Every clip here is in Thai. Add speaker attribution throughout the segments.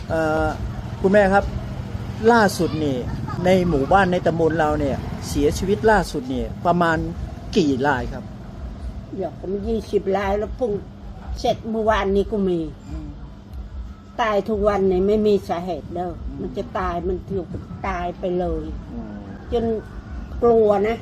Speaker 1: เอ่อคุณแม่ครับล่าสุดนี่ในหมู่บ้านในตำบลเราเนี่ยเสียชีวิตล่าสุดเนี่ยประมาณกี่รายครับ
Speaker 2: เดี๋ยวก็มี20 รายแล้วพุ่งเสร็จเมื่อวานนี้ก็มีตายทุกวันเนี่ยไม่มีสาเหตุเด้อมันจะตายมันถูกตายไปเลยจนกลัวนะ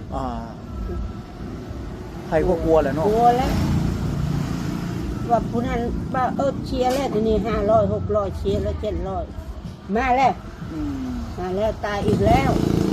Speaker 1: ใครก็กลัวแหละเนาะ
Speaker 2: กลัวแล้วว่าผู้นั้นว่าเชียร์แล้วทีนี้500 600เชียร์แล้ว700มาแล้วตายอีกแล้ว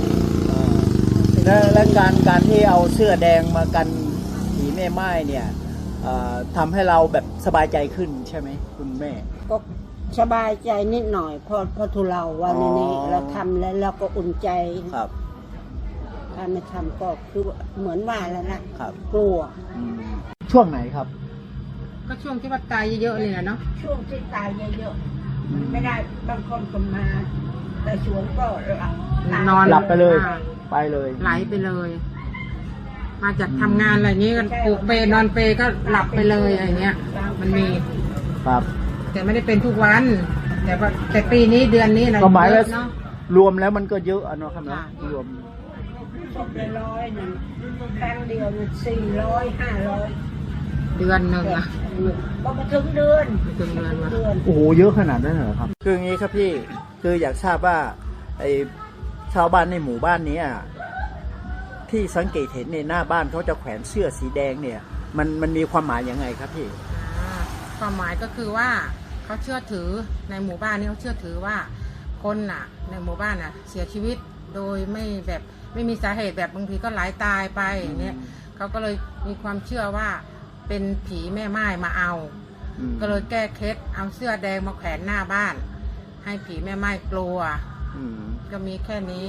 Speaker 1: และการที่เอาเสื้อแดงมากันผีแม่ไม้เนี่ยทำให้เราแบบสบายใจขึ้นใช่ไหมคุณแม่
Speaker 2: ก็สบายใจนิดหน่อยพอทุเราวันนี้เราทำแล้วเราก็อุ่นใจ
Speaker 1: ครับ
Speaker 2: ถ้าไม่ทำก็คือเหมือนว่าแล้วนะครับกลัว
Speaker 1: ช่วงไหนครับ
Speaker 3: ก็ช่วงที่ว่าตายเยอะๆเลยนะเนาะ
Speaker 2: ช่วงที่ตายเยอะๆไม่ได้บางคนก็มาแต่สวนก็
Speaker 3: นอน
Speaker 1: หลับไปเลยไปเลย
Speaker 3: ไหลไปเลย มาจากทำงานอะไรนี้ก็ปลูกเปนอนเปก็หลับไปเลยอะไรเงี้ยมันมี
Speaker 1: ครับ
Speaker 3: แต่ไม่ได้เป็นทุกวันแต่ปีนี้เดือนนี้อะไร
Speaker 1: ก็หมายว่า
Speaker 3: เนาะ
Speaker 1: รวมแล้วมันก็เยอะเนาะครับนะรวม
Speaker 2: 100นึงครั้งเดียว400 500
Speaker 3: เดือนหนึ่งอะ
Speaker 2: ก็มาถึงเดือน
Speaker 1: โอ้โหเยอะขนาดนั้นเหรอครับคืออย่างนี้ครับพี่คืออยากทราบว่าไอชาวบ้านในหมู่บ้านนี้ที่สังเกตเห็นในหน้าบ้านเขาจะแขวนเสื้อสีแดงเนี่ยมันมีความหมายยังไงครับพี่
Speaker 3: ความหมายก็คือว่าเขาเชื่อถือในหมู่บ้านนี้เขาเชื่อถือว่าคนน่ะในหมู่บ้านน่ะเสียชีวิตโดยไม่มีสาเหตุแบบบางทีก็ไหลตายไปเนี่ยเขาก็เลยมีความเชื่อว่าเป็นผีแม่ไม้มาเอาก็เลยแก้เคล็ดเอาเสื้อแดงมาแขวนหน้าบ้านให้ผีแม่ไม้กลัวก็มีแค่นี้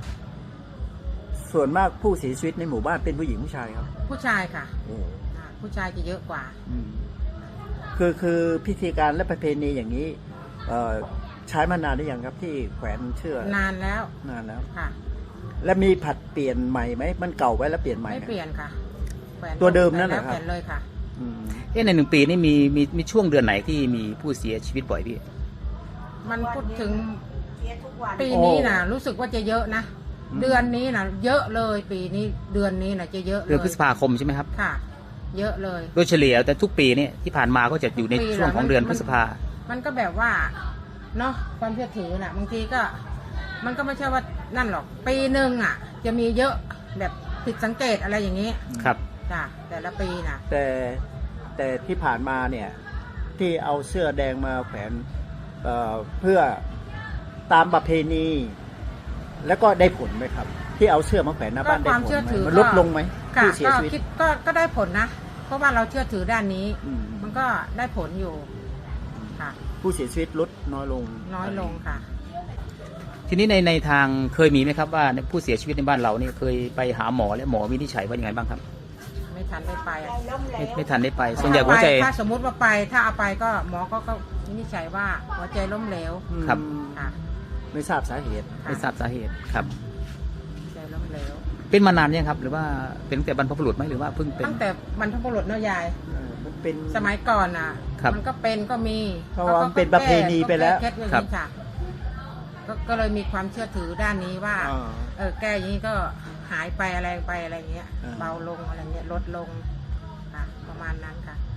Speaker 1: ส่วนมากผู้เสียชีวิตในหมู่บ้านเป็นผู้หญิงผู้ชายครับ
Speaker 3: ผู้ชายค่ะผู้ชายจะเยอะกว่า
Speaker 1: คือพิธีการและประเพณีอย่างนี้ใช้มานานหรือยังครับที่แขวนเชือก
Speaker 3: นานแล้ว
Speaker 1: ค่ะแล้วมีผัดเปลี่ยนใหม่ไหมมันเก่าไว้แล้วเปลี่ยนใหม่
Speaker 3: ไม่เปลี่ยนค่ะ
Speaker 1: ตัวเดิมนั่นแหละครับ
Speaker 3: เปลี่ยนเลยค่ะ
Speaker 4: ใน1 ปีนี่มีช่วงเดือนไหนที่มีผู้เสียชีวิตบ่อยพี่
Speaker 3: มันพูดถึงปีนี้นะรู้สึกว่าจะเยอะนะเดือนนี้นะเยอะเลยปีนี้เดือนนี้นะจะเยอะเลย
Speaker 4: เดือนพฤษภาคมใช่ไหมครับ
Speaker 3: ค่ะเยอะเลย
Speaker 4: โดยเฉลี่ยแต่ทุกปีเนี่ยที่ผ่านมาก็จะอยู่ในช่วงของเดือนพฤษภา
Speaker 3: มันก็แบบว่าเนาะความเชื่อถือน่ะบางทีก็มันก็ไม่ใช่ว่านั่นหรอกปีหนึ่งจะมีเยอะแบบผิดสังเกตอะไรอย่างนี้
Speaker 4: ครับ
Speaker 3: จ้ะแต่ละปีนะ
Speaker 1: แต่ที่ผ่านมาเนี่ยที่เอาเสื้อแดงมาแขวนเพื่อตามประเพณีแล้วก็ได้ผลไหมครับที่เอาเสื้อมาแขวนหน้าบ้านได้ผลไหมมันลดลงไหมผู้เสียชีวิต
Speaker 3: ก็ได้ผลนะเพราะว่าเราเชื่อถือด้านนี้มันก็ได้ผลอยู่ค่ะ
Speaker 1: ผู้เสียชีวิตลดน้อยลง
Speaker 3: ค่ะ
Speaker 4: ทีนี้ในทางเคยมีไหมครับว่าผู้เสียชีวิตในบ้านเราเนี่ยเคยไปหาหมอและหมอวินิจฉัยว่ายังไงบ้างครับ
Speaker 3: ไม่ทันได้ไป
Speaker 4: ไม่ทันได้ไปส่วนใหญ่หัวใจ
Speaker 3: ถ้าสมมุติว่าไปถ้าเอาไปก็หมอก็วินิจฉัยว่าหัวใจล้มเหลว
Speaker 4: ครับ
Speaker 1: ไม่ทราบสาเหตุ
Speaker 4: ครับ
Speaker 3: ใจล้มเหลว
Speaker 4: เป็นมานานยังครับหรือว่าเป็นตั้งแต่บรรพบุรุษไหมหรือว่าเพิ่งเป็น
Speaker 3: ตั้งแต่บรรพบุรุษเนาะยาย
Speaker 1: มันเป็น
Speaker 3: สมัยก่อนมันก็เป็นก็มี
Speaker 1: เพราะว่าเป็นประเพณีไปแล้ว
Speaker 3: ครับก็เลยมีความเชื่อถือด้านนี้ว่าแก้อย่างนี้ก็หายไปอะไรเงี้ยเบาลงอะไรเงี้ยลดลงประมาณนั้นค่ะ